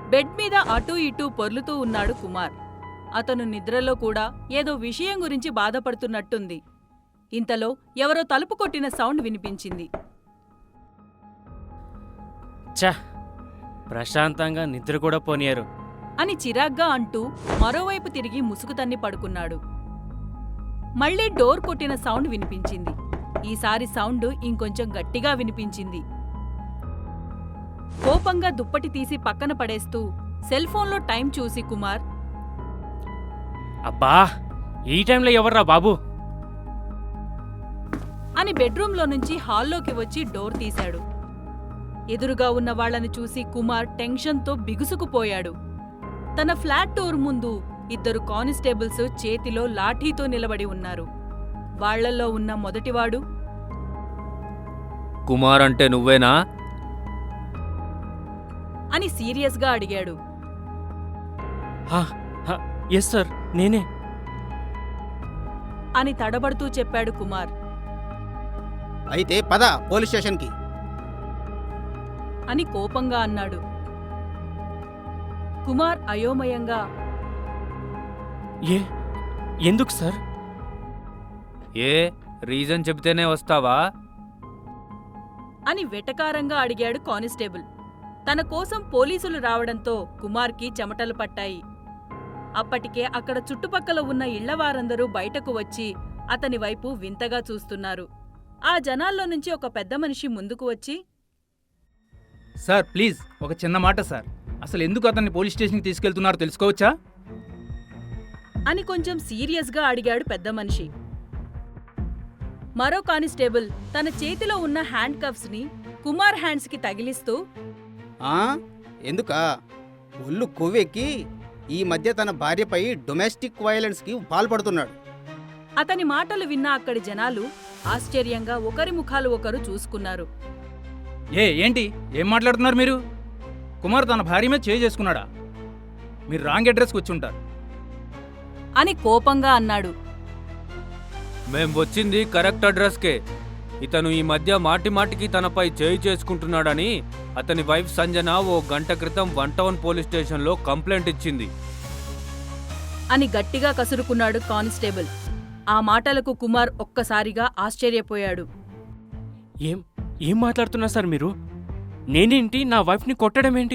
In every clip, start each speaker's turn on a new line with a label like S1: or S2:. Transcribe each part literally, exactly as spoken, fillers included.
S1: Bed మీద అటూ ఇటూ పొర్లుతూ ఉన్నాడు కుమార్. అతను నిద్రలో కూడా ఏదో విషయం గురించి బాధపడుతున్నట్టుంది. ఇంతలో ఎవరో తలుపు కొట్టిన సౌండ్ వినిపించింది.
S2: ఛ, ప్రశాంతంగా నిద్ర కూడా పోనీయరు
S1: అని చిరాగ్గా అంటూ మరోవైపు తిరిగి ముసుగు తన్ని పడుకున్నాడు. మళ్లీ డోర్ కొట్టిన సౌండ్ వినిపించింది. ఈసారి సౌండ్ ఇంకొంచెం గట్టిగా వినిపించింది. కోపంగా దుప్పటి తీసి పక్కన పడేస్తూ సెల్ఫోన్లో టైం చూసి కుమార్,
S2: అబ్బా ఈ టైంలో ఎవర్రా బాబు
S1: అని బెడ్రూంలో నుంచి హాల్లోకి వచ్చి డోర్ తీశాడు. ఎదురుగా ఉన్న వాళ్లని చూసి కుమార్ టెన్షన్తో బిగుసుకుపోయాడు. తన ఫ్లాట్ డోర్ ముందు ఇద్దరు కానిస్టేబుల్స్ చేతిలో లాఠీతో నిలబడి ఉన్నారు. వాళ్లల్లో ఉన్న మొదటివాడు,
S3: కుమార్ అంటే నువ్వేనా
S1: అని సీరియస్గా అడిగాడు.
S2: ఎస్ సార్, నేనే
S1: అని తడబడుతూ చెప్పాడు కుమార్.
S4: అయితే పద పోలీస్ స్టేషన్కి
S1: అని కోపంగా అన్నాడు. కుమార్ అయోమయంగా,
S2: ఏ ఎందుకు సార్?
S3: ఏ రీజన్ చెబితేనే వస్తావా
S1: అని వెటకారంగా అడిగాడు కానిస్టేబుల్. తన కోసం పోలీసులు రావడంతో కుమార్కి చెమటలు పట్టాయి. అప్పటికే అక్కడ చుట్టుపక్కల ఉన్న ఇళ్లవారందరూ బయటకు వచ్చి అతని వైపు వింతగా చూస్తున్నారు. ఆ జనాల్లో నుంచి ఒక పెద్ద మనిషి ముందుకు వచ్చి,
S5: సార్ ప్లీజ్ ఒక చిన్న మాట సార్, అసలు ఎందుకు అతన్ని పోలీస్ స్టేషన్కి తీసుకెళ్తున్నారో తెలుసుకోవచ్చా
S1: అని కొంచెం సీరియస్గా అడిగాడు పెద్ద మనిషి. మరో కానిస్టేబుల్ తన చేతిలో ఉన్న హ్యాండ్ కఫ్స్ ని కుమార్ హ్యాండ్స్ కి తగిలిస్తూ,
S4: ఆ ఎందుకా ఒళ్ళు కొవ్వెక్కి ఈ మధ్య తన భార్యపై డొమెస్టిక్ వైలెన్స్ కి పాల్పడుతున్నాడు.
S1: అతని మాటలు విన్న అక్కడి జనాలు ఆశ్చర్యంగా ఒకరి ముఖాలు ఒకరు చూసుకున్నారు.
S5: ఏ ఏంటి ఏం మాట్లాడుతున్నారు మీరు? కుమార్ తన భార్య మీద చేయి చేసుకున్నాడా? మీరు రాంగ్ అడ్రస్కి వచ్చి ఉంటారు
S1: అని కోపంగా అన్నాడు.
S3: మేం వచ్చింది కరెక్ట్ అడ్రస్కే. ఇతను ఈ మధ్య మాటి మాటికి తనపై చేయి చేసుకుంటున్నాడని అతని వైఫ్ సంజన ఓ గంట క్రితం వన్ టౌన్ పోలీస్ స్టేషన్లో కంప్లైంట్ ఇచ్చింది
S1: అని గట్టిగా కసురుకున్నాడు కానిస్టేబుల్. ఆ మాటలకు కుమార్ ఒక్కసారిగా ఆశ్చర్యపోయాడు.
S2: ఏం ఏం మాట్లాడుతున్నారు సార్ మీరు? నేనేంటి నా వైఫ్ని కొట్టడమేంటి?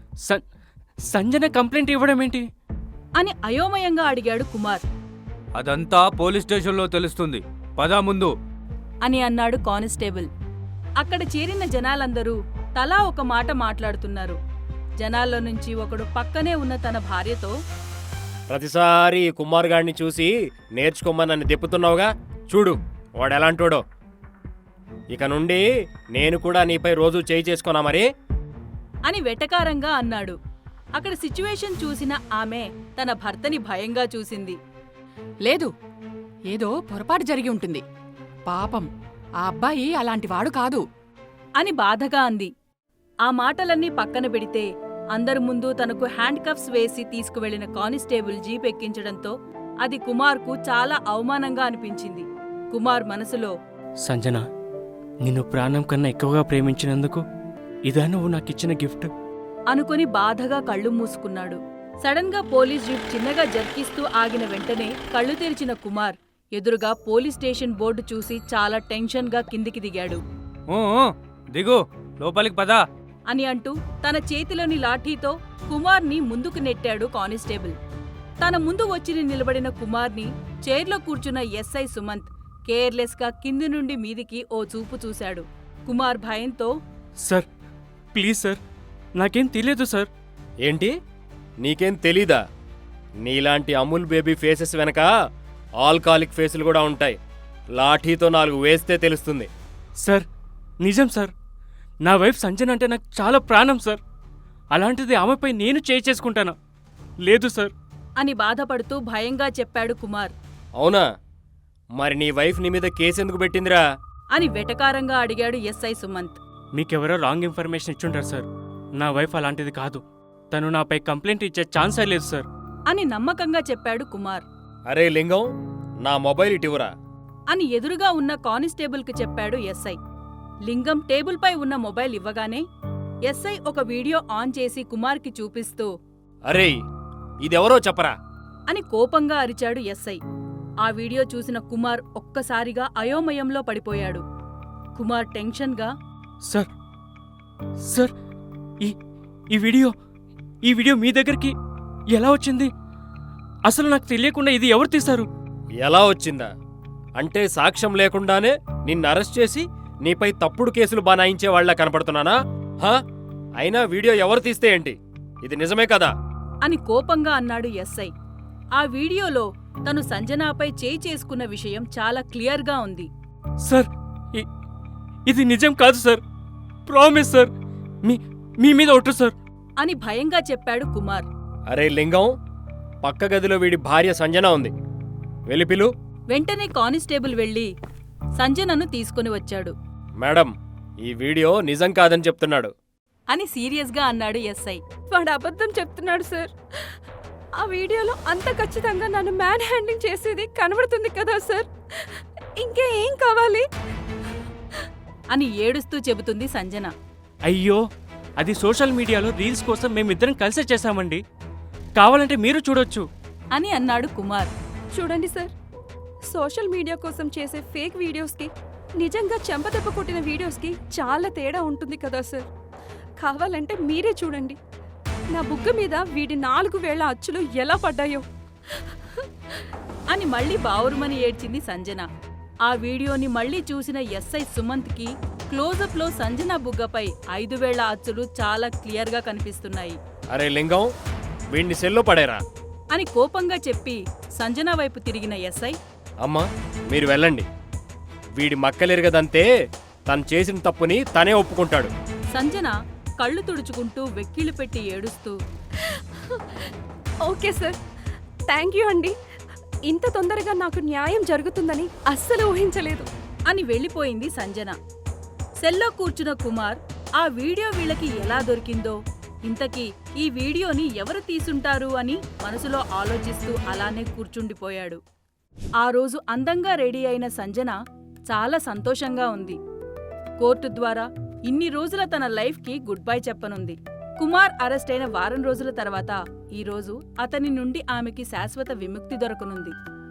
S2: సంజన కంప్లైంట్ ఇవ్వడమేంటి
S1: అని అయోమయంగా అడిగాడు కుమార్.
S3: అదంతా పోలీస్ స్టేషన్లో తెలుస్తుంది, పదా ముందు
S1: అని అన్నాడు కానిస్టేబుల్. అక్కడ చేరిన జనాలందరూ తలా ఒక మాట మాట్లాడుతున్నారు. జనాల్లో నుంచి ఒకడు పక్కనే ఉన్న తన భార్యతో,
S6: ప్రతిసారి కుమార్ గాడిని చూసి నేర్చుకోమని నన్ను దెప్పుతున్నావుగా, చూడు వాడెలాంటోడో. ఇక నుండి నేను కూడా నీపై రోజు చేయి చేసుకున్నా మరి
S1: అని వెటకారంగా అన్నాడు. అక్కడ సిచ్యువేషన్ చూసిన ఆమె తన భర్తని భయంగా చూసింది.
S7: లేదు, ఏదో పొరపాటు జరిగి ఉంటుంది. పాపం ఆ అబ్బాయి అలాంటివాడు కాదు
S1: అని బాధగా అంది. ఆ మాటలన్నీ పక్కన పెడితే అందరి ముందు తనకు హ్యాండ్ కఫ్స్ వేసి తీసుకువెళ్లిన కానిస్టేబుల్ జీప్ ఎక్కించడంతో అది కుమార్కు చాలా అవమానంగా అనిపించింది. కుమార్ మనసులో,
S2: సంజన, నిన్ను ప్రాణం కన్నా ఎక్కువగా ప్రేమించినందుకు ఇదా నువ్వు నాకిచ్చిన గిఫ్ట్
S1: అనుకుని బాధగా కళ్ళు మూసుకున్నాడు. సడన్ గా పోలీస్ జీప్ చిన్నగా జర్కిస్తూ ఆగిన వెంటనే కళ్ళు తెరిచిన కుమార్ ఎదురుగా పోలీస్ స్టేషన్ బోర్డు చూసి చాలా టెన్షన్ గా కిందికి దిగాడు.
S3: ఊ, ఊ, దిగు లోపలికి పదా
S1: అని అంటూ తన చేతిలోని లాఠీతో కుమార్ని ముందుకు నెట్టాడు కానిస్టేబుల్. తన ముందు వచ్చి నిలబడిన కుమార్ని చైర్లో కూర్చున్న ఎస్ఐ సుమంత్ కేర్లెస్ గా కింది నుండి మీదికి ఓ చూపు చూశాడు. కుమార్ భయంతో,
S2: సార్ ప్లీజ్ సార్, నాకేం తెలియదు సార్.
S6: ఏంటి నీకేం తెలీదా? నీలాంటి అమూల్ బేబీ ఫేసెస్ వెనక ఆల్కాలిక్ ఫేసులు కూడా ఉంటాయి. లాఠీతో నాలుగు వేస్తే తెలుస్తుంది.
S2: సార్ నిజం సార్, నా వైఫ్ సంజన అంటే నాకు చాలా ప్రాణం సార్. అలాంటిది ఆమెపై నేను చేయి చేసుకుంటానా? లేదు సార్
S1: అని బాధపడుతూ భయంగా చెప్పాడు కుమార్.
S6: అవునా? మరి నీ వైఫ్ నీ మీద కేసెందుకు పెట్టిందిరా
S1: అని వెటకారంగా అడిగాడు ఎస్ఐ సుమంత్.
S2: మీకెవరో రాంగ్ ఇన్ఫర్మేషన్ ఇచ్చుంటారు సార్. నా వైఫ్ అలాంటిది కాదు. తను నాపై కంప్లైంట్ ఇచ్చే ఛాన్సే లేదు సార్
S1: అని నమ్మకంగా చెప్పాడు కుమార్.
S6: అరే లింగం, నా మొబైల్ ఇటివరా
S1: అని ఎదురుగా ఉన్న కానిస్టేబుల్కి చెప్పాడు ఎస్ఐ. లింగం టేబుల్పై ఉన్న మొబైల్ ఇవ్వగానే, ఎస్ఐ ఒక వీడియో ఆన్ చేసి కుమార్కి చూపిస్తూ
S6: అరే ఇదెవరో చెప్పరా.
S1: అని కోపంగా అరిచాడు ఎస్ఐ. ఆ వీడియో చూసిన కుమార్ ఒక్కసారిగా అయోమయంలో పడిపోయాడు. కుమార్ టెన్షన్గా,
S2: సార్ సార్ ఈ ఈ వీడియో ఈ వీడియో మీ దగ్గరికి ఎలా వచ్చింది? అసలు నాకు తెలియకుండా ఇది ఎవరు తీశారు?
S6: ఎలా వచ్చిందా అంటే సాక్ష్యం లేకుండానే నిన్ను అరెస్ట్ చేసి నీపై తప్పుడు కేసులు బనాయించే వాళ్ళ కనపడుతున్నానా? హా అయినా వీడియో ఎవరు తీస్తే ఏంటి, ఇది నిజమే కదా?
S1: అని కోపంగా అన్నాడు ఎస్ఐ. ఆ వీడియోలో తను సంజనాపై చేయి చేసుకున్న విషయం చాలా క్లియర్గా ఉంది.
S2: సార్ ఇ- ఇది నిజం కాదు సార్, ప్రామిస్ సార్, మీ మీ మీద ఒట్టు సార్.
S1: అని భయంగా చెప్పాడు కుమార్.
S6: అరే లింగం, పక్క గదిలో వీడి భార్య సంజన ఉంది, వెలిపిలు.
S1: వెంటనే కానిస్టేబుల్ వెళ్లి సంజనను తీసుకుని వచ్చాడు.
S6: మేడం, ఈ వీడియో నిజం కాదని చెప్తున్నాడు.
S1: అని సీరియస్గా అన్నాడు ఎస్ఐ.
S8: వాడు అబద్ధం చెప్తున్నాడు సార్. ఆ వీడియోలో అంత ఖచ్చితంగా నన్ను మ్యాన్ హ్యాండింగ్ చేసేది కనబడుతుంది కదా సార్. ఇంకే ఏం కావాలి?
S1: అని ఏడుస్తూ చెబుతుంది సంజన.
S2: అయ్యో, అది సోషల్ మీడియాలో రీల్స్ కోసం మేమిద్దరం కలిసే చేశామండి, కావాలంటే మీరు చూడొచ్చు.
S1: అని అన్నాడు కుమార్.
S8: చూడండి సార్, సోషల్ మీడియా కోసం చేసే ఫేక్ వీడియోస్కి నిజంగా చెంపదెబ్బ కొట్టిన వీడియోస్కి చాలా తేడా ఉంటుంది కదా సార్. కావాలంటే మీరే చూడండి, నా బుగ్గ మీద వీడి నాలుగు వేళ్ల అచ్చులు ఎలా పడ్డాయో.
S1: అని మళ్ళీ బావురుమని ఏడ్చింది సంజన. ఆ వీడియోని మళ్ళీ చూసిన ఎస్ఐ సుమంత్కి క్లోజప్లో సంజన బుగ్గపై ఐదు వేళ్ల అచ్చులు చాలా క్లియర్గా కనిపిస్తున్నాయి.
S6: అరే లింగం, వీడిని సెల్లో పడేరా.
S1: అని కోపంగా చెప్పి సంజన వైపు తిరిగిన ఎస్ఐ,
S6: అమ్మా మీరు వెళ్ళండి, వీడి మక్కలెరగదంతే తను చేసిన తప్పుని తనే ఒప్పుకుంటాడు.
S1: సంజన కళ్ళు తుడుచుకుంటూ వెక్కిళ్ళు పెట్టి ఏడుస్తూ,
S8: ఓకే సార్, థ్యాంక్ యూ అండి. ఇంత తొందరగా నాకు న్యాయం జరుగుతుందని అస్సలు ఊహించలేదు.
S1: అని వెళ్ళిపోయింది సంజన. సెల్లో కూర్చున్న కుమార్ ఆ వీడియో వీళ్ళకి ఎలా దొరికిందో, ఇంతకీ ఈ వీడియోని ఎవరు తీసుంటారు అని మనసులో ఆలోచిస్తూ అలానే కూర్చుండిపోయాడు. ఆ రోజు అందంగా రెడీ అయిన సంజన చాలా సంతోషంగా ఉంది. కోర్టు ద్వారా ఇన్ని రోజుల తన లైఫ్కి గుడ్ బై చెప్పనుంది. కుమార్ అరెస్ట్ అయిన వారం రోజుల తర్వాత ఈరోజు అతని నుండి ఆమెకి శాశ్వత విముక్తి దొరకనుంది.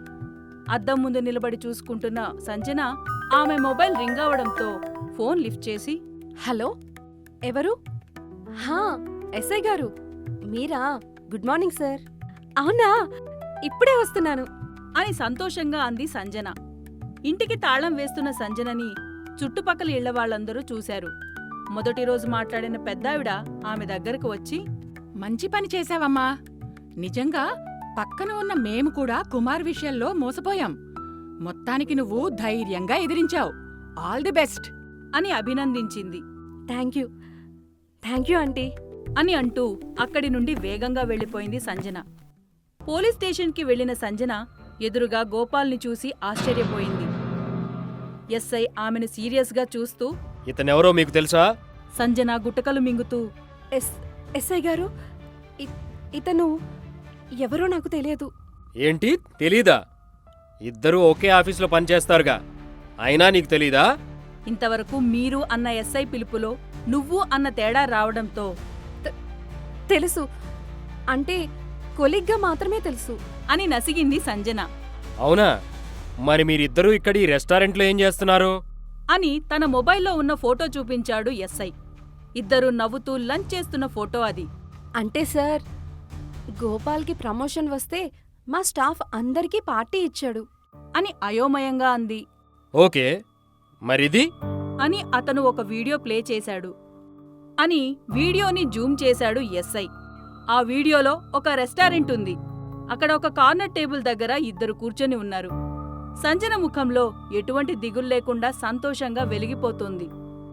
S1: అద్దం ముందు నిలబడి చూసుకుంటున్న సంజన ఆమె మొబైల్ రింగ్ అవడంతో ఫోన్ లిఫ్ట్ చేసి,
S8: హలో, ఎవరు? హా, ఎస్ఐ గారు మీరా? Good morning sir. అవునా, ఇప్పుడే వస్తున్నాను
S1: అని సంతోషంగా అంది సంజన. ఇంటికి తాళం వేస్తున్న సంజనని చుట్టుపక్కల ఇళ్ల వాళ్ళందరూ చూశారు. మొదటి రోజు మాట్లాడిన పెద్దావిడ ఆమె దగ్గరకు వచ్చి,
S7: మంచి పని చేశావమ్మా. నిజంగా పక్కన ఉన్న మేము కూడా కుమార్ విషయంలో మోసపోయాం. మొత్తానికి నువ్వు ధైర్యంగా ఎదిరించావు. ఆల్ ది బెస్ట్
S1: అని అభినందించింది.
S8: Thank you thank you aunty
S1: అని అంటూ అక్కడి నుండి వేగంగా వెళ్లిపోయింది సంజన. పోలీస్ స్టేషన్కి వెళ్లిన సంజన ఎదురుగా గోపాల్ని చూసి ఆశ్చర్యపోయింది. ఎస్ఐ ఆమెను సీరియస్గా చూస్తూ,
S6: ఇతనెవరో మీకు తెలుసా?
S1: సంజన గుట్టకలు మింగుతూ,
S8: ఎస్ ఎస్ఐ గారు, ఇ- ఇతను ఎవరో నాకు తెలియదు.
S6: ఏంటి తెలీదా? ఇద్దరూ ఒకే ఆఫీసులో పనిచేస్తారుగా, అయినా నీకు తెలీదా?
S1: ఇంతవరకు మీరు అన్న ఎస్ఐ పిలుపులో నువ్వు అన్న తేడా రావడంతో
S8: తెలుసు అంటే కొలిగ్గా మాత్రమే తెలుసు.
S1: అని నసిగింది సంజన.
S6: అవునా, మరి మీరిద్దరూ ఇక్కడ ఈ రెస్టారెంట్లో ఏం చేస్తున్నారు?
S1: అని తన మొబైల్లో ఉన్న ఫోటో చూపించాడు ఎస్ఐ. ఇద్దరూ నవ్వుతూ లంచ్ చేస్తున్న ఫోటో అది.
S8: అంటే సార్, గోపాల్కి ప్రమోషన్ వస్తే మా స్టాఫ్ అందరికీ పార్టీ ఇచ్చాడు
S1: అని అయోమయంగా అంది.
S6: ఓకే, మరిది?
S1: అని అతను ఒక వీడియో ప్లే చేశాడు. అని వీడియోని జూమ్ చేశాడు ఎస్ఐ. ఆ వీడియోలో ఒక రెస్టారెంట్ ఉంది. అక్కడ ఒక కార్నర్ టేబుల్ దగ్గర ఇద్దరు కూర్చొని ఉన్నారు. సంజన ముఖంలో ఎటువంటి దిగులు లేకుండా సంతోషంగా వెలిగిపోతుంది.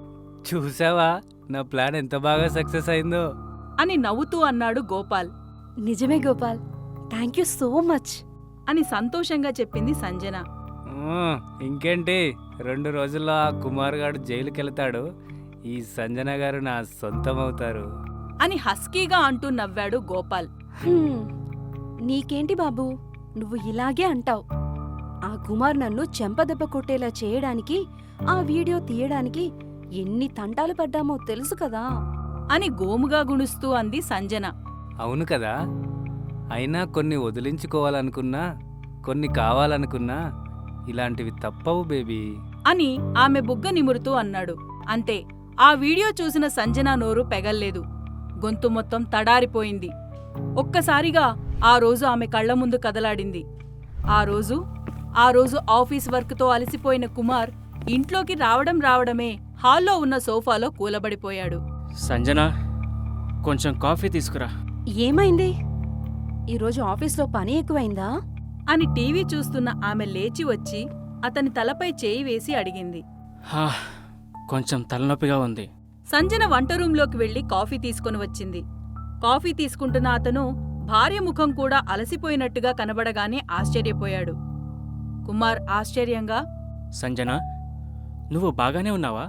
S3: చూసావా నా ప్లాన్ ఎంత బాగా సక్సెస్ అయిందో?
S1: అని నవ్వుతూ అన్నాడు గోపాల్.
S8: నిజమే Gopal, thank you so much
S1: అని సంతోషంగా చెప్పింది సంజన.
S3: ఆ, ఇంకేంటి, రెండు రోజుల్లో ఆ కుమార్ గారు జైలుకి వెళ్తాడు, ఈ సంజన గారు నా సొంతం అవుతారు
S1: అని హస్కీగా అంటూ నవ్వాడు గోపాల్.
S8: హ్మ్, నీకేంటి బాబు, నువ్వు ఇలాగే అంటావు. ఆ కుమార్ నన్ను చెంపదెబ్బ కొట్టేలా చేయడానికి, ఆ వీడియో తీయడానికి ఎన్ని తంటాలు పడ్డామో తెలుసు కదా.
S1: అని గోముగా గుణుస్తూ అంది సంజన.
S3: అవును కదా, అయినా కొన్ని వదిలించుకోవాలనుకున్నా కొన్ని కావాలనుకున్నా ఇలాంటివి తప్పవు బేబీ.
S1: అని ఆమె బుగ్గ నిమురుతూ అన్నాడు. అంతే, ఆ వీడియో చూసిన సంజన నోరు పెగల్లేదు. గొంతు మొత్తం తడారిపోయింది. ఒక్కసారిగా ఆ రోజు ఆమె కళ్ల ముందు కదలాడింది. ఆ రోజు ఆ రోజు ఆఫీస్ వర్క్తో అలసిపోయిన కుమార్ ఇంట్లోకి రావడం రావడమే హాల్లో ఉన్న సోఫాలో కూలబడిపోయాడు.
S2: సంజన, కొంచెం కాఫీ తీసుకురా.
S8: ఏమైంది? ఈరోజు ఆఫీస్లో పని ఎక్కువైందా?
S1: అని టీవీ చూస్తున్న ఆమె లేచి వచ్చి అతని తలపై చేయి వేసి అడిగింది.
S2: హా, కొంచెం తలనొప్పిగా ఉంది.
S1: సంజన వంట రూంలోకి వెళ్లి కాఫీ తీసుకుని వచ్చింది. కాఫీ తీసుకుంటున్న అతను భార్య ముఖం కూడా అలసిపోయినట్టుగా కనబడగానే ఆశ్చర్యపోయాడు. కుమార్ ఆశ్చర్యంగా,
S2: సంజన, నువ్వు బాగానే ఉన్నావా?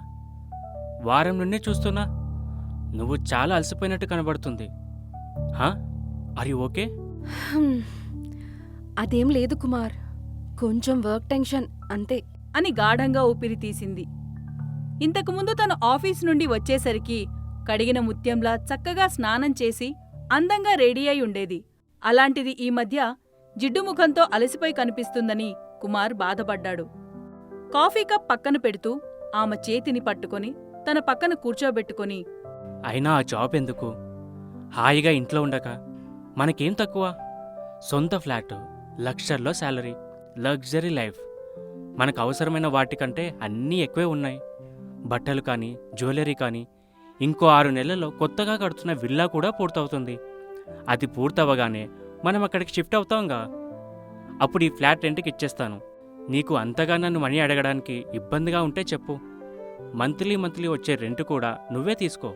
S2: వారం నుండి చూస్తున్నా నువ్వు చాలా అలసిపోయినట్టు కనబడుతుంది. హా, ఆర్ యు ఓకే?
S8: హ్మ్. అదేం లేదు కుమార్, కొంచెం వర్క్ టెన్షన్ అంతే.
S1: అని గాఢంగా ఊపిరి తీసింది. ఇంతకుముందు తను ఆఫీస్ నుండి వచ్చేసరికి కడిగిన ముత్యంలా చక్కగా స్నానం చేసి అందంగా రెడీ అయి ఉండేది. అలాంటిది ఈ మధ్య జిడ్డు ముఖంతో అలసిపోయి కనిపిస్తుందని కుమార్ బాధపడ్డాడు. కాఫీ కప్ పక్కన పెడుతూ ఆమె చేతిని పట్టుకొని తన పక్కన కూర్చోబెట్టుకొని,
S2: అయినా ఆ జాబ్ ఎందుకు? హాయిగా ఇంట్లో ఉండక మనకేం తక్కువ? సొంత ఫ్లాట్, లక్షల్లో శాలరీ, లగ్జరీ లైఫ్. మనకు అవసరమైన వాటికంటే అన్నీ ఎక్కువే ఉన్నాయి. బట్టలు కానీ, జ్యువెలరీ కానీ. ఇంకో ఆరు నెలల్లో కొత్తగా కడుతున్న విల్లా కూడా పూర్తవుతుంది. అది పూర్తవగానే మనం అక్కడికి షిఫ్ట్ అవుతాంగా. అప్పుడు ఈ ఫ్లాట్ రెంట్కి ఇచ్చేస్తాను. నీకు అంతగా నన్ను మనీ అడగడానికి ఇబ్బందిగా ఉంటే చెప్పు. మంత్లీ మంత్లీ వచ్చే రెంట్ కూడా నువ్వే తీసుకో.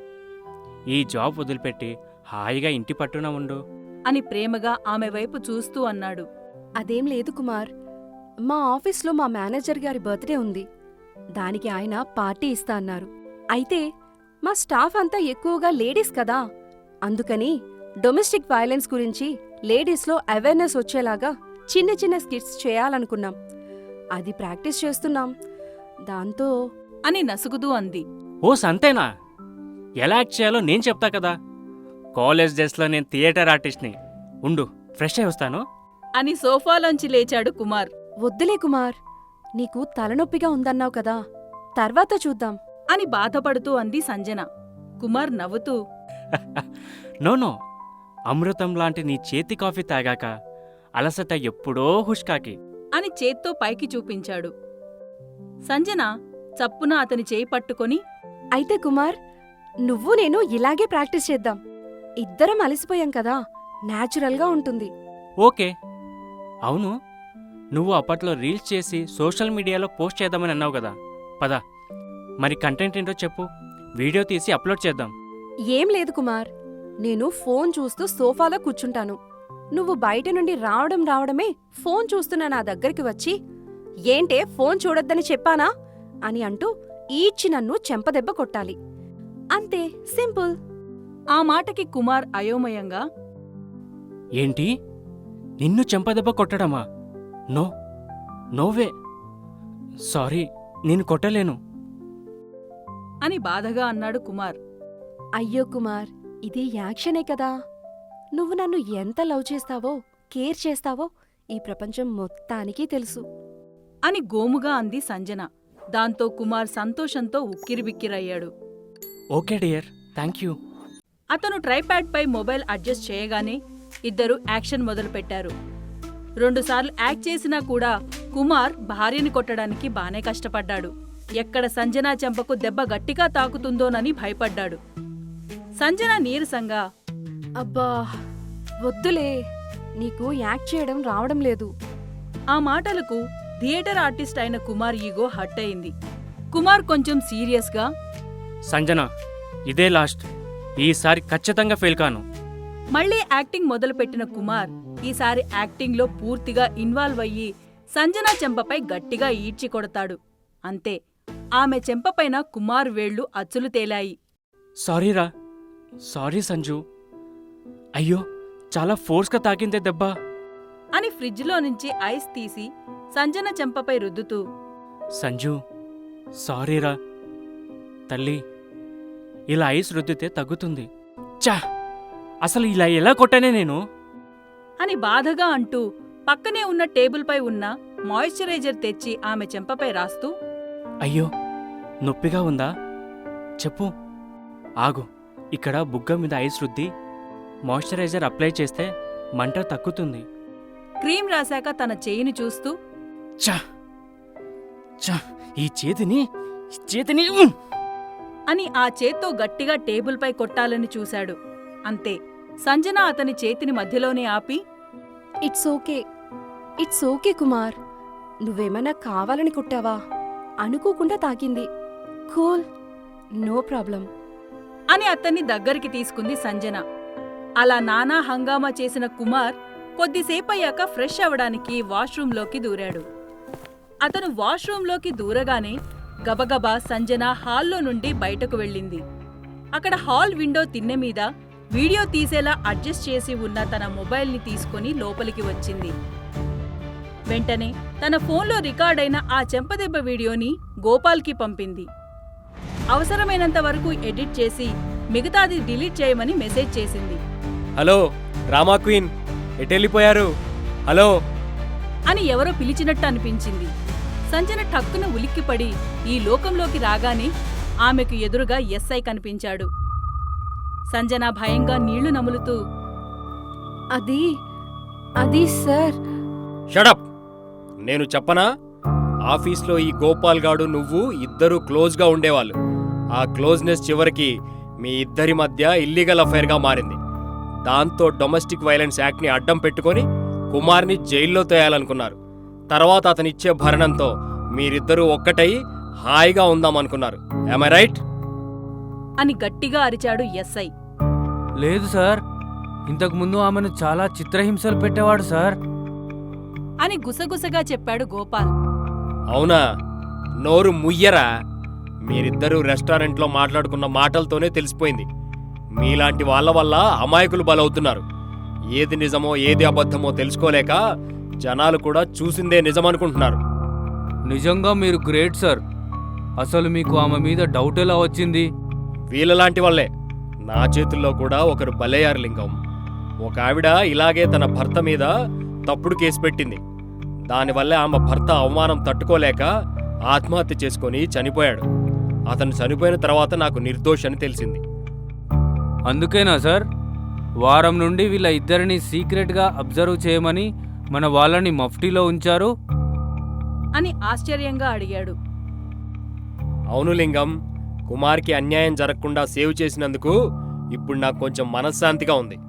S2: ఈ జాబ్ వదిలిపెట్టి హాయిగా ఇంటి పట్టున ఉండు
S1: అని ప్రేమగా ఆమె వైపు చూస్తూ అన్నాడు.
S8: అదేం లేదు కుమార్, మా ఆఫీస్లో మా మేనేజర్ గారి బర్త్డే ఉంది. దానికి ఆయన పార్టీ ఇస్తా అన్నారు. అయితే మా స్టాఫ్ అంతా ఎక్కువగా లేడీస్ కదా, అందుకని డొమెస్టిక్ వైలెన్స్ గురించి లేడీస్లో అవేర్నెస్ వచ్చేలాగా చిన్న చిన్న స్కిట్స్ చేయాలనుకున్నాం. అది ప్రాక్టీస్ చేస్తున్నాం. దాంతో
S1: అని నసుగుతూ అంది.
S2: ఓ సంతేనా? ఎలా యాక్ట్ చేయాలో నేను చెప్తా కదా. కాలేజ్ డేస్లో నేను థియేటర్ ఆర్టిస్ట్ని. ఉండు, ఫ్రెష్ అయి వస్తాను
S1: అని సోఫాలోంచి లేచాడు కుమార్.
S8: వద్దులే కుమార్, నీకు తలనొప్పిగా ఉందన్నావు కదా, తర్వాత చూద్దాం
S1: అని బాధపడుతూ అంది సంజన. కుమార్ నవ్వుతూ,
S2: నో నో, అమృతం లాంటి నీ చేతి కాఫీ తాగాక అలసట ఎప్పుడో హుష్కాకి
S1: అని చేత్తో పైకి చూపించాడు. సంజన చప్పున అతని చేయి పట్టుకొని,
S8: అయితే కుమార్, నువ్వు నేను ఇలాగే ప్రాక్టీస్ చేద్దాం. ఇద్దరం అలసిపోయాం కదా, న్యాచురల్గా ఉంటుంది.
S2: ఓకే. అవును, నువ్వు అప్పట్లో రీల్స్ చేసి సోషల్ మీడియాలో పోస్ట్ చేద్దామని అన్నావు కదా. పద, మరి కంటెంట్ ఏంటో చెప్పు. వీడియో తీసి అప్లోడ్ చేద్దాం.
S8: ఏం లేదు కుమార్, నేను ఫోన్ చూస్తూ సోఫాలో కూర్చుంటాను. నువ్వు బయట నుండి రావడం రావడమే ఫోన్ చూస్తున్న నా దగ్గరికి వచ్చి, ఏంటే ఫోన్ చూడొద్దని చెప్పానా అని అంటూ ఈడ్చి నన్ను చెంపదెబ్బ కొట్టాలి. అంతే, సింపుల్.
S1: ఆ మాటకి కుమార్ అయోమయంగా,
S2: ఏంటి, నిన్ను చెంపదెబ్బ కొట్టడమా? నో, నోవే. సారీ, నేను కొట్టలేను
S1: అని బాధగా అన్నాడు కుమార్.
S8: అయ్యో కుమార్, ఇది యాక్షనే కదా. నువ్వు నన్ను ఎంత లవ్ చేస్తావో, కేర్ చేస్తావో ఈ ప్రపంచం మొత్తానికి తెలుసు
S1: అని గోముగా అంది సంజన. దాంతో కుమార్ సంతోషంతో ఉక్కిరిబిక్కిరయ్యాడు.
S2: Okay dear, thank you.
S1: అతను ట్రైప్యాడ్పై మొబైల్ అడ్జస్ట్ చేయగానే ఇద్దరు యాక్షన్ మొదలుపెట్టారు. రెండుసార్లు యాక్ట్ చేసినా కూడా కుమార్ భార్యని కొట్టడానికి బానే కష్టపడ్డాడు. ఎక్కడ సంజన చెంపకు దెబ్బ గట్టిగా తాకుతుందోనని భయపడ్డాడు. సంజన నీరసంగా,
S8: అబ్బా వద్దులే, నీకు యాక్ట్ చేయడం రావడం లేదు.
S1: ఆ మాటలకు థియేటర్ ఆర్టిస్ట్ అయిన కుమార్ ఈగో హర్ట్ అయింది. కుమార్ కొంచెం సీరియస్గా,
S2: సంజన, ఇదే లాస్ట్. ఈసారి ఖచ్చితంగా ఫెయిల్ కాను.
S1: మళ్లీ యాక్టింగ్ మొదలుపెట్టిన కుమార్ ఈసారి యాక్టింగ్లో పూర్తిగా ఇన్వాల్వ్ అయ్యి సంజన చెంపపై గట్టిగా ఈడ్చి కొడతాడు. అంతే, ఆమె చెంపపైన కుమార్ వేళ్లు అచ్చులు తేలాయి.
S2: సారీరా, సారీ సంజు. అయ్యో, చాలా ఫోర్స్గా తాకిందే దెబ్బ
S1: అని ఫ్రిడ్జ్లో నుంచి ఐస్ తీసి సంజన చెంపపై రుద్దుతూ,
S2: సంజు, సారీరా. తల్లి, ఇలా ఐస్ రుద్దితే తగ్గుతుంది. చా, అసలు ఇలా ఎలా కొట్టానే నేను?
S1: అని బాధగా అంటూ పక్కనే ఉన్న టేబుల్పై ఉన్న మాయిశ్చరైజర్ తెచ్చి ఆమె చెంపపై రాస్తూ,
S2: అయ్యో, నొప్పిగా ఉందా? చెప్పు. ఆగు, ఇక్కడ బుగ్గ మీద ఐస్ రుద్ది మాయిశ్చరైజర్ అప్లై చేస్తే మంట తగ్గుతుంది.
S1: క్రీం రాశాక తన చేయిని చూస్తూ,
S2: చా చా ఈ చేతిని ఈ చేతిని ఉమ్!
S1: అని ఆ చేత్తో గట్టిగా టేబుల్పై కొట్టాలని చూశాడు. అంతే, సంజన అతని చేతిని మధ్యలోనే ఆపి,
S8: it's okay it's okay Kumar, నువ్వేమైనా కావాలని కుట్టావా? అనుకోకుండా తాకింది. Cool, no problem.
S1: అని అతన్ని దగ్గరికి తీసుకుంది సంజన. అలా నానా హంగామా చేసిన కుమార్ కొద్దిసేపయ్యాక ఫ్రెష్ అవడానికి వాష్రూంలోకి దూరాడు. అతను వాష్రూంలోకి దూరగానే గబగబా సంజన హాల్లో నుండి బయటకు వెళ్ళింది. అక్కడ హాల్ విండో తిన్నె మీద వీడియో తీసేలా అడ్జస్ట్ చేసి ఉన్న తన మొబైల్ని తీసుకుని లోపలికి వచ్చింది. వెంటనే తన ఫోన్లో రికార్డైన ఆ చెంపదెబ్బ వీడియోని గోపాల్కి పంపింది. అవసరమైనంత వరకు ఎడిట్ చేసి మిగతాది డిలీట్ చేయమని మెసేజ్ చేసింది.
S6: హలో రామా క్వీన్, ఎటెళ్ళిపోయారు? హలో
S1: అని ఎవరో పిలిచినట్టు అనిపించింది. సంజన టక్కున ఉలిక్కిపడి ఈ లోకంలోకి రాగానే ఆమెకు ఎదురుగా ఎస్ఐ కనిపించాడు. సంజన భయంగా నీళ్లు నములుతూ,
S8: అది అది సార్.
S6: షడప్! నేను చెప్పనా? ఆఫీస్లో ఈ గోపాల్ గాడు నువ్వు ఇద్దరూ క్లోజ్గా ఉండేవాళ్ళు. ఆ క్లోజ్నెస్ చివరికి మీ ఇద్దరి మధ్య ఇల్లీగల్ అఫైర్గా మారింది. దాంతో డొమెస్టిక్ వైలెన్స్ యాక్ట్ని అడ్డం పెట్టుకొని కుమార్ని జైల్లో తోయాలనుకున్నారు. తర్వాత అతనిచ్చే భరణంతో మీరిద్దరూ ఒక్కటై హాయిగా ఉందామనుకున్నారు. Am I right?
S1: అని గట్టిగా అరిచాడు ఎస్ఐ.
S3: లేదు సార్, ఇంతకుముందు ఆమెను చాలా చిత్రహింసలు పెట్టేవాడు సార్.
S1: అని గుసగుసగా చెప్పాడు గోపాల్.
S6: అవునా? నోరు ముయ్యరా? మీరిద్దరూ రెస్టారెంట్లో మాట్లాడుకున్న మాటలతోనే తెలిసిపోయింది. మీలాంటి వాళ్ళ వల్ల అమాయకులు బలవుతున్నారు. ఏది నిజమో ఏది అబద్ధమో తెలుసుకోలేక జనాలు కూడా చూసిందే నిజమనుకుంటున్నారు.
S3: నిజంగా మీరు గ్రేట్ సార్. అసలు మీకు ఆమె మీద డౌట్ ఎలా వచ్చింది?
S6: వీళ్ళలాంటి వాళ్ళే. నా చేతుల్లో కూడా ఒకరు బలయ్యారు లింగం. ఒక ఆవిడ ఇలాగే తన భర్త మీద తప్పుడు కేసు పెట్టింది. దానివల్ల ఆమె భర్త అవమానం తట్టుకోలేక ఆత్మహత్య చేసుకొని చనిపోయాడు. అతను చనిపోయిన తర్వాత నాకు నిర్దోషని తెలిసింది.
S3: అందుకేనా సార్ వారం నుండి వీళ్ళ ఇద్దరిని సీక్రెట్గా అబ్జర్వ్ చేయమని మన వాళ్ళని మఫ్టీలో ఉంచారు?
S1: అని ఆశ్చర్యంగా అడిగాడు.
S6: అవును లింగం, కుమార్కి అన్యాయం జరగకుండా సేవ్ చేసినందుకు ఇప్పుడు నాకు కొంచెం మనశ్శాంతిగా ఉంది.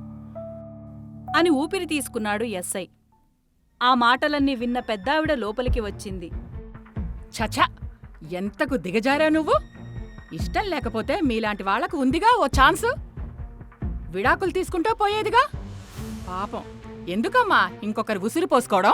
S1: అని ఊపిరి తీసుకున్నాడు ఎస్ఐ. ఆ మాటలన్నీ విన్న పెద్దావిడ లోపలికి వచ్చింది.
S7: చచా, ఎంతకు దిగజారా నువ్వు? ఇష్టం లేకపోతే మీలాంటి వాళ్లకు ఉందిగా ఓ ఛాన్సు. విడాకులు తీసుకుంటూ పోయేదిగా. పాపం, ఎందుకమ్మా ఇంకొకరు ఉసిరి పోసుకోవడం?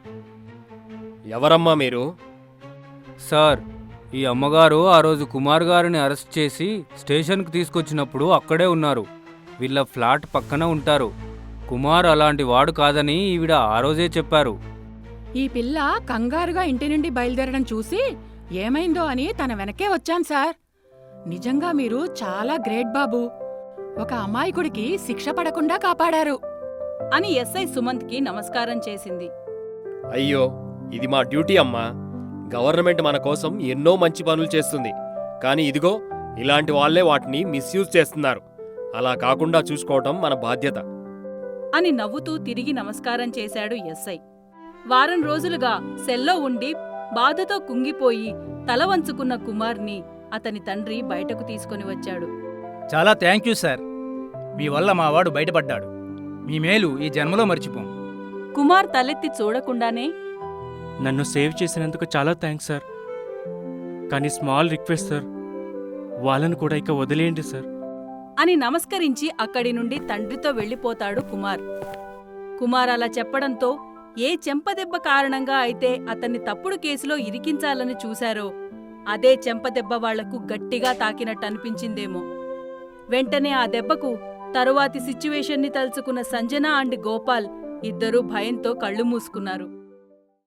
S6: ఎవరమ్మా మీరు?
S3: సార్, ఈ అమ్మగారు ఆ రోజు కుమార్ గారిని అరెస్ట్ చేసి స్టేషన్కి తీసుకొచ్చినప్పుడు అక్కడే ఉన్నారు. వీళ్ళ ఫ్లాట్ పక్కన ఉంటారు. కుమార్ అలాంటి వాడు కాదని ఈవిడ ఆ రోజే చెప్పారు.
S7: ఈ పిల్ల కంగారుగా ఇంటి నుండి బయలుదేరడం చూసి ఏమైందో అని తన వెనకే వచ్చాను సార్. నిజంగా మీరు చాలా గ్రేట్ బాబు. ఒక అమాయకుడికి శిక్ష పడకుండా కాపాడారు.
S1: అని ఎస్ఐ సుమంత్కి నమస్కారం చేసింది.
S6: అయ్యో, ఇది మా డ్యూటీ అమ్మా. గవర్నమెంట్ మన కోసం ఎన్నో మంచి పనులు చేస్తుంది. కానీ ఇదిగో ఇలాంటి వాళ్లే వాటిని మిస్యూజ్ చేస్తున్నారు. అలా కాకుండా చూసుకోవటం మన బాధ్యత.
S1: అని నవ్వుతూ తిరిగి నమస్కారం చేశాడు ఎస్ఐ. వారం రోజులుగా సెల్లో ఉండి బాధతో కుంగిపోయి తల వంచుకున్న కుమార్ని అతని తండ్రి బయటకు తీసుకొని వచ్చాడు.
S5: చాలా థ్యాంక్ యూ సార్. మీ వల్ల మా వాడు బయటపడ్డాడు. మీ మేలు ఈ జన్మలో మర్చిపోం.
S1: కుమార్ తలెత్తి చూడకుండానే,
S2: నన్ను సేవ్ చేసినందుకు చాలా థ్యాంక్స్ సార్. కానీ స్మాల్ రిక్వెస్ట్ సార్, వాళ్ళను కూడా ఇక వదిలేయండి సార్.
S1: అని నమస్కరించి అక్కడి నుండి తండ్రితో వెళ్ళిపోతాడు కుమార్. కుమార్ అలా చెప్పడంతో ఏ చెంపదెబ్బ కారణంగా అయితే అతన్ని తప్పుడు కేసులో ఇరికించాలని చూశారో అదే చెంపదెబ్బ వాళ్లకు గట్టిగా తాకినట్టు అనిపించిందేమో. వెంటనే ఆ దెబ్బకు తరువాతి సిచ్యువేషన్ని తలుచుకున్న సంజన అండ్ గోపాల్ ఇద్దరూ భయంతో కళ్ళు మూసుకున్నారు.